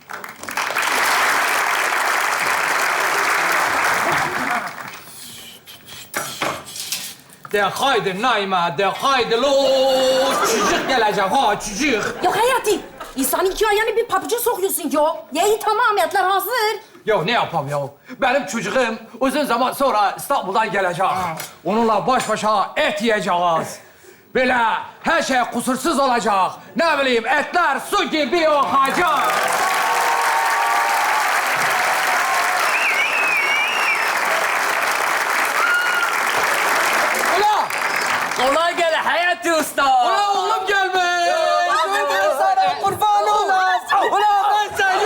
De haydi Naime, de haydi lo. Çocuk gelecek ha, çocuk. Ya Hayati, insanın iki ayağını bir pabuca sokuyorsun ya. Ya iyi tamam, etler hazır. Ya ne yapayım ya? Benim çocuğum uzun zaman sonra İstanbul'dan gelecek. Onunla baş başa et yiyeceğiz. Böyle her şey kusursuz olacak. Ne bileyim etler su gibi akacak. Ula! Kolay gele Hayati Usta. Ula oğlum gelme! Ben sana kurban olayım. Ula ben seni!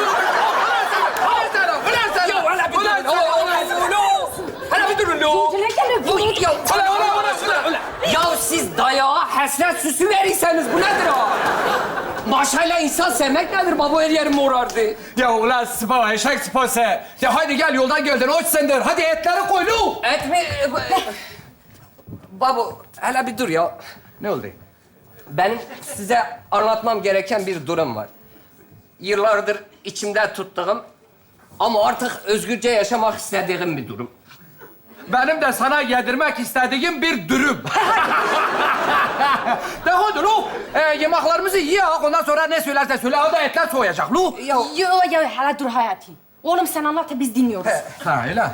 Ula sen! Ya hala bir durun. Hala bir durun lo. Gele gele. Ya Ula! Ya siz dayağa hasret süsü verirseniz bu nedir ha? Maşayla insan sevmek nedir? Baba her yerim morardı. Ya ulan sıpa, eşek sıpası. Ya hadi gel yoldan geldin, hoş sendir. Hadi etleri koy lu. Et mi? Babu, hele bir dur ya. Ne oldu? Benim size anlatmam gereken bir durum var. Yıllardır içimde tuttuğum ama artık özgürce yaşamak istediğim bir durum. Benim de sana yedirmek istediğim bir dürüm. De hadi lu. Yemeklerimizi yiyek, ondan sonra ne söylersen söyle. O da etler soğuyacak lu. Ya Yo, hele dur Hayati. Oğlum sen anlat da biz dinliyoruz. Ha öyle.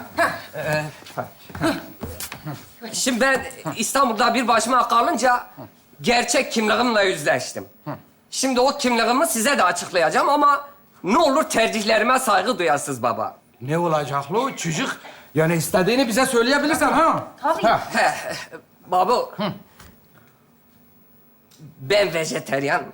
şimdi ben İstanbul'da bir başıma kalınca gerçek kimliğimle yüzleştim. Şimdi o kimliğimi size de açıklayacağım ama ne olur tercihlerime saygı duyasınız baba. Ne olacak lu çocuk? Yani istediğini bize söyleyebilirsen ha. Tabii. Ha. Babu. Ben vejeteryanım.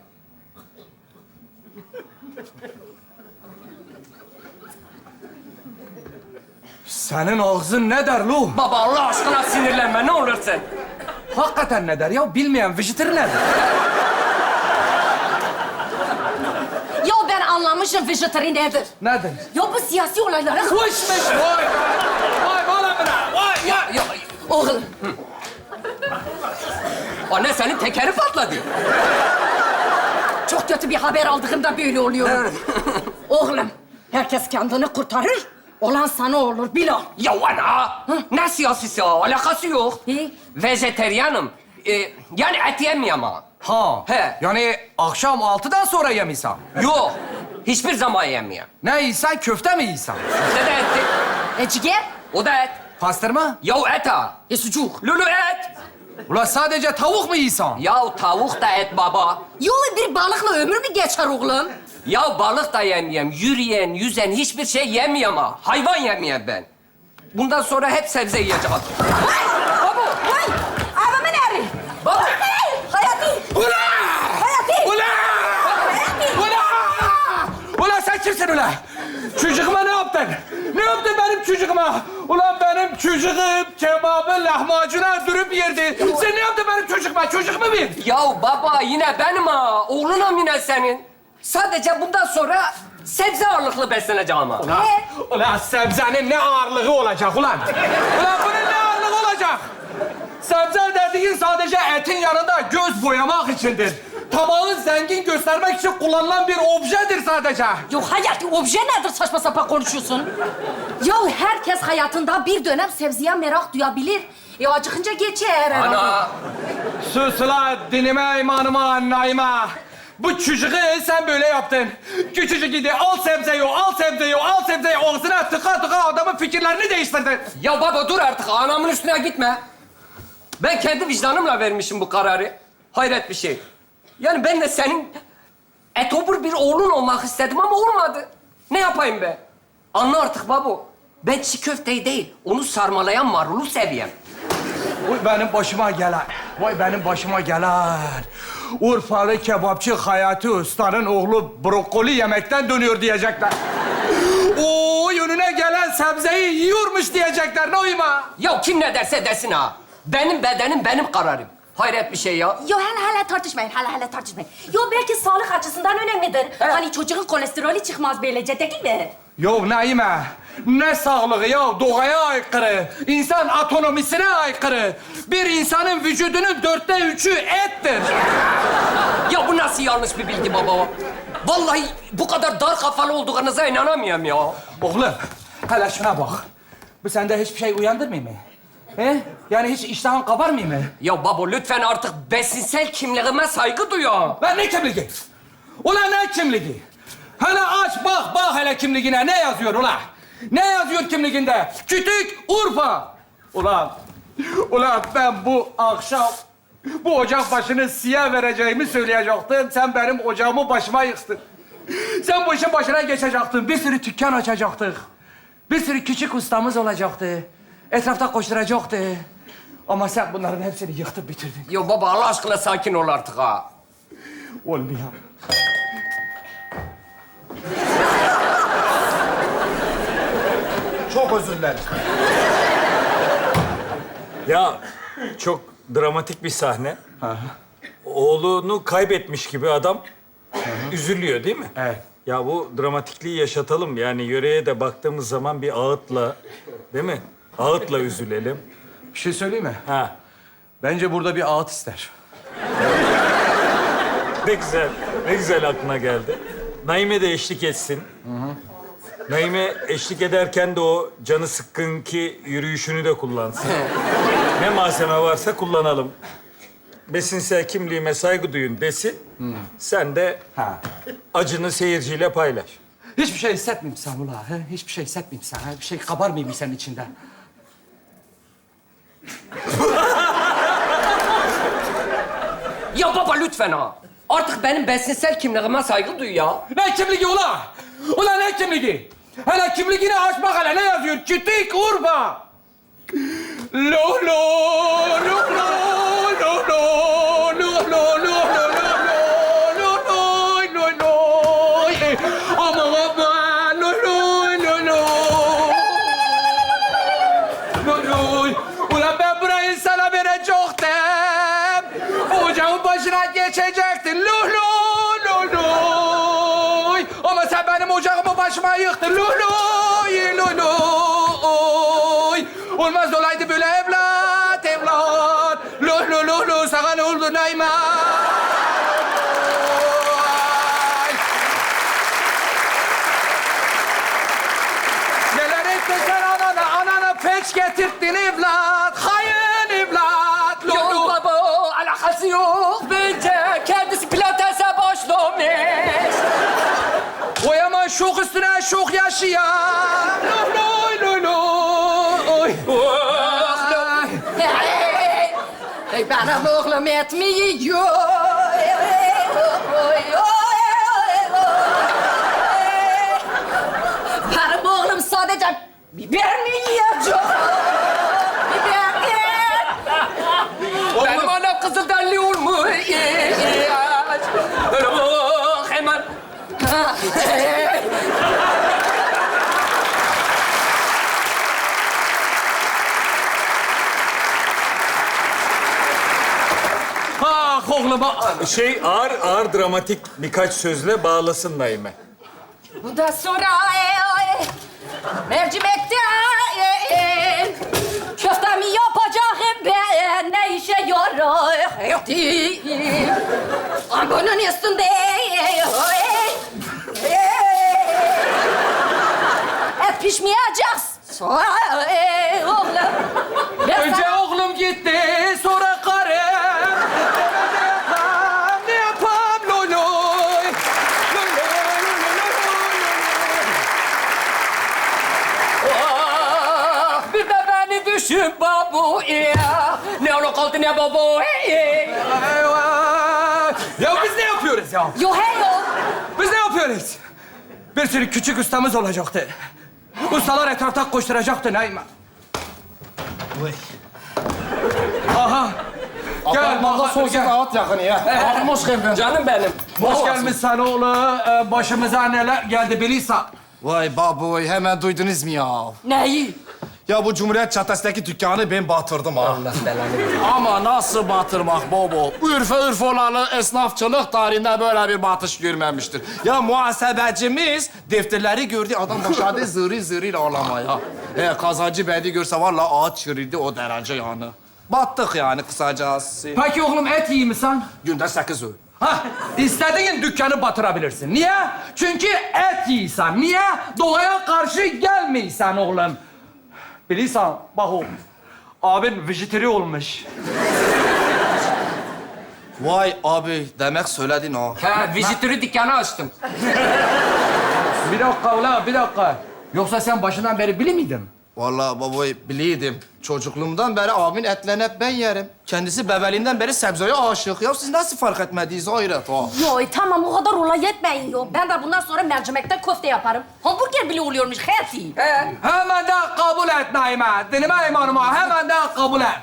Senin ağzın ne der lu? Baba Allah aşkına sinirlenme ne olursun. Hakikaten ne der ya? Bilmeyen vejetaryen nedir? Ya ben anlamışım vejetari nedir. Nedir? Ya bu siyasi olaylara... Kuşmuş vay! Vay bana bana! Vay ya! Ya, Oğlum, anne senin tekeri patladı. çok kötü bir haber aldığımda böyle oluyor. Oğlum, herkes kendini kurtarır. Olan sana olur, bil o. Ya ana! Ne siyasisi ya? Alakası yok. İyi. Vejeteryanım. Yani et yemiyorum ha. Ha. He. Yani akşam 6'dan sonra yemiyorsan. Yok. Hiçbir zaman yemiyorum. Ne yiysen köfte mi yiysen? Ne de etti? Ciğer? O da et. Pastırma? Ya et ha. Sucuk. Lulu et. Ulan sadece tavuk mu yiysen? Ya tavuk da et baba. Yo bir balıkla ömür mü geçer oğlum? Ya balık da yemeyeyim. Yürüyen, yüzen hiçbir şey yemeyeyim ha. Hayvan yemeyeyim ben. Bundan sonra hep sebze yiyeceğim. Baba, vay! Adamın eri! Baba! Hayati! Ulan! Hayati! Ulan! Ulan! Ulan sen kimsin ulan? Çocuğuma ne yaptın? Ne yaptın benim çocuğuma? Ulan benim çocuğum kebabı lahmacuna dürüp yerdi. Sen ne yaptın benim çocuğuma? Çocuğumu bir. Ya baba yine benim ha. Oğlunum yine senin. Sadece bundan sonra sebze ağırlıklı besleneceğim ha. Ulan sebzenin ne ağırlığı olacak ulan? Ulan bunun ne ağırlığı olacak? Sebze dediğin sadece etin yanında göz boyamak içindir. Tabağı zengin göstermek için kullanılan bir objedir sadece. Yok Hayati, obje nedir saçma sapan konuşuyorsun? Ya herkes hayatında bir dönem sebzeye merak duyabilir. Acıkınca geçer herhalde. Ana. Sus ulan dinime, imanıma, naime. Bu çocuğu sen böyle yaptın. Küçücük idi, al sebzeyi, al sebzeyi, al sebzeyi. Ağzına tıka tıka adamın fikirlerini değiştirdin. Ya baba dur artık anamın üstüne gitme. Ben kendi vicdanımla vermişim bu kararı. Hayret bir şey. Yani ben de senin etobur bir oğlun olmak istedim ama olmadı. Ne yapayım be? Anla artık babu. Ben çiğ köfteyi değil, onu sarmalayan marulu seviyorum. Vay benim başıma gelen, vay benim başıma gelen. Urfalı kebapçı Hayati Usta'nın oğlu brokoli yemekten dönüyor diyecekler. O önüne gelen sebzeyi yiyormuş diyecekler, ne uyma? Ya kim ne derse desin ha. Benim bedenim, benim kararım. Hayret bir şey ya. Yo hele tartışmayın, hele tartışmayın. Yo belki sağlık açısından önemlidir. Hani çocuğun kolesterolü çıkmaz böylece değil mi? Yo Naime, ne sağlığı ya, doğaya aykırı. İnsan atonomisine aykırı. Bir insanın vücudunun 3'ü ettir. Ya bu nasıl yanlış bir bilgi baba? Vallahi bu kadar dar kafalı olduğunuza inanamıyorum ya. Oğlum, hele şuna bak. Bu sende hiçbir şey uyandırmıyor mu? He? Yani hiç iştahın kabarmıyor mu? Ya baba lütfen artık besinsel kimliğime saygı duy ya. Lan ne kimliği? Ulan ne kimliği? Hele aç bak hele kimliğine ne yazıyor ulan? Ne yazıyor kimliğinde? Kütük Urfa. Ulan ben bu akşam bu ocak başını siyah vereceğimi söyleyecektim. Sen benim ocağımı başıma yıktın. Sen bu işin başına geçecektin. Bir sürü dükkan açacaktık. Bir sürü küçük ustamız olacaktı. Etrafta koşturacaktı. Ama sen bunların hepsini yıktın bitirdin. Ya baba Allah aşkına sakin ol artık ha. Olmuyor. Çok özür dilerim. Ya çok dramatik bir sahne. Oğlunu kaybetmiş gibi adam üzülüyor değil mi? Evet. Ya bu dramatikliği yaşatalım. Yani yöreye de baktığımız zaman bir ağıtla, değil mi? Ağıtla üzülelim. Bir şey söyleyeyim mi? Ha. Bence burada bir ağıt ister. Ne güzel, ne güzel aklına geldi. Naime de eşlik etsin. Naime eşlik ederken de o canı sıkkınki yürüyüşünü de kullansın. Ne malzeme varsa kullanalım. Besinsel kimliğime saygı duyun desin. Sen de Ha. acını seyirciyle paylaş. Hiçbir şey hissetmeyeyim sen ula. He? Hiçbir şey hissetmeyeyim sen. He? Bir şey kabarmayayım senin içinde. Ya baba lütfen ha. Artık benim besinsel kimliğime saygı duy ya. Ne kimliği ula? Ula ne kimliği? Hele kimliğini aç bak hele ne yazıyor? Kütük Urfa. Lo lo lo lo lo lo lo lo lo aman aman lo lo lo lo. Ulan ben burayı sana verecektim. Ocağın başına geçecektin. Lo lo lo lo. Ama sen benim ocağımı başıma yıktın. Lo lo lo lo. Olmaz olaydı böyle evlat. Lo lo lo lo. Sana ne oldu Naime? Neler ettin sen anana peç getirttin evlat. Hayın evlat. Lo Yok lo. baba alakası yok. Bence kendisi pilatese başlamış. Oy aman şok üstüne şok yaşayan. Lo lo lo lo. Oy. Hey, benim oğlum etmiyor. Benim oğlum sadece biber mi yiyecek? Biber ye. Benim anam kızılderili olmuş. Hemen. Ah oğlum ah. Ağır dramatik birkaç sözle bağlasın Naime. Bu da sonra mercimekte köfte mi yapacağım ben ne işe yarar? Bunun üstünde et pişmeyecek. Oğlum. Önce oğlum gitti, sonra karım. Ne yapam loloy? Bir de beni düşün babu ya. Ne ola kaldı ne babu. Ya biz ne yapıyoruz ya? Yo hey yo. Biz ne yapıyoruz? Bir sürü küçük ustamız olacaktı. Ustalar etrafta koşturacaktı Naime. Aha. Gel Valla bakalım sosyal gel. ağıt yakını ya. Ağam hoş geldin. Canım benim. Hoş gelmişsin oğlu. Başımıza neler geldi bilirsen. Vay baboy hemen duydunuz mu ya? Neyi? Ya bu Cumhuriyet Çatısı'ndaki dükkanı ben batırdım ha. Allah belanı. Ama nasıl batırmak babo? Ürfe olalı esnafçılık tarihinde böyle bir batış görmemiştir. Ya muhasebecimiz defterleri gördü, adam başladı zırı zırıyla ağlamaya. Kazancı bedi görse vallahi ağaç çürüdü o derece yani. Battık yani kısacası. Peki oğlum et iyi misin? Günde 8 öğün. Ha, istediğin dükkanı batırabilirsin. Niye? Çünkü et yiysen. Niye? Doğaya karşı gelmeysen oğlum. Bilirsen, bak o. Abin vejetari olmuş. Vay abi, demek söyledin ha. Ha, vizitörü dükkanı açtım. Bir dakika ulan, bir dakika. Yoksa sen başından beri bili miydin? Vallahi babayı biliydim. Çocukluğumdan beri abimin etlerini hep ben yerim. Kendisi bebeliğinden beri sebzeye aşık. Ya siz nasıl fark etmediniz hayret ha? Yo tamam o kadar olay yetmeyin yo. Ben de bundan sonra mercimekten köfte yaparım. Hamburger bile oluyormuş Hayati. Hemen de kabul et Naime. Dinime imanıma hemen de kabul et.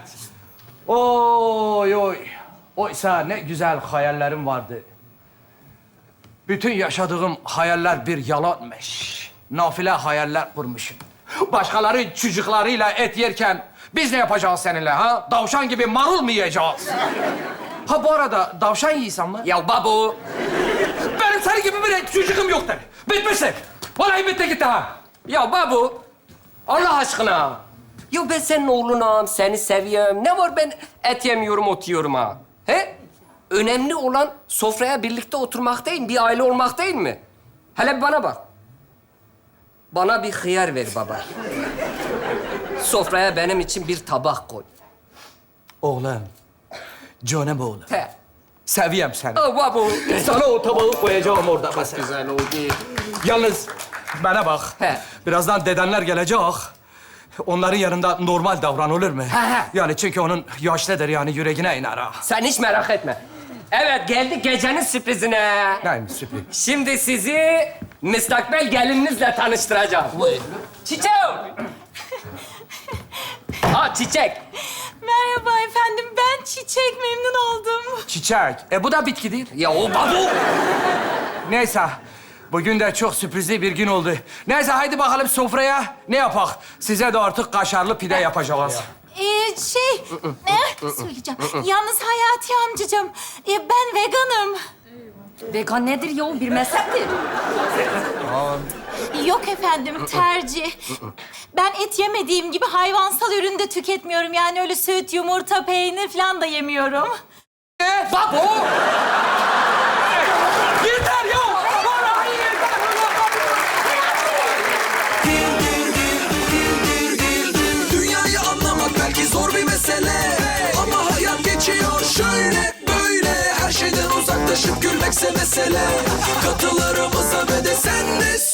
Oy oy. Oysa ne güzel hayallerim vardı. Bütün yaşadığım hayaller bir yalanmış. Nafile hayaller kurmuşum. Başkaları çocuklarıyla et yerken biz ne yapacağız seninle ha? Davşan gibi marul mu yiyeceğiz? Ha bu arada davşan yiysem mi? Ya babu. Benim senin gibi bir çocuğum yoktur. Bitmişsin. Vallahi bitti gitti ha. Ya babu. Allah aşkına. Ya ben senin oğlunum, seni seviyorum. Ne var ben et yemiyorum, ot yiyorum ha? He? Önemli olan sofraya birlikte oturmak değil, bir aile olmak değil mi? Hele bir bana bak. Bana bir hıyar ver baba. Sofraya benim için bir tabak koy. Oğlum. Canım oğlum. He. Seviyem seni. Oh babu. Sana o tabağı koyacağım orada mesela. Güzel oldu. Yalnız bana bak. He. Birazdan dedenler gelecek. Onların yanında normal davran olur mu? he. Yani çünkü onun yaşlıdır yani yüreğine iner ha. Sen hiç merak etme. Evet, geldik gecenin sürprizine. Neymiş sürpriz? Şimdi sizi müstakbel gelininizle tanıştıracağım. Çiçek! Ha, Çiçek. Merhaba efendim, ben Çiçek, memnun oldum. Çiçek. Bu da bitkidir. Ya o babu. Neyse. Bugün de çok sürprizli bir gün oldu. Neyse haydi bakalım sofraya ne yapak? Size de artık kaşarlı pide yapacağız. Söyleyeceğim. Yalnız Hayati amcacığım, ben veganım. Vegan nedir yo? Bir mezheptir. Yok efendim, tercih. Ben et yemediğim gibi hayvansal ürün de tüketmiyorum. Yani öyle süt, yumurta, peynir falan da yemiyorum. Babu! Yeter ya! Vallahi yeter! Dünyayı anlamak belki zor bir mesele, ama hayat geçiyor şöyle böyle. Her şeyden uzaklaşıp gülmekse mesele. Katılarımıza ve de sen de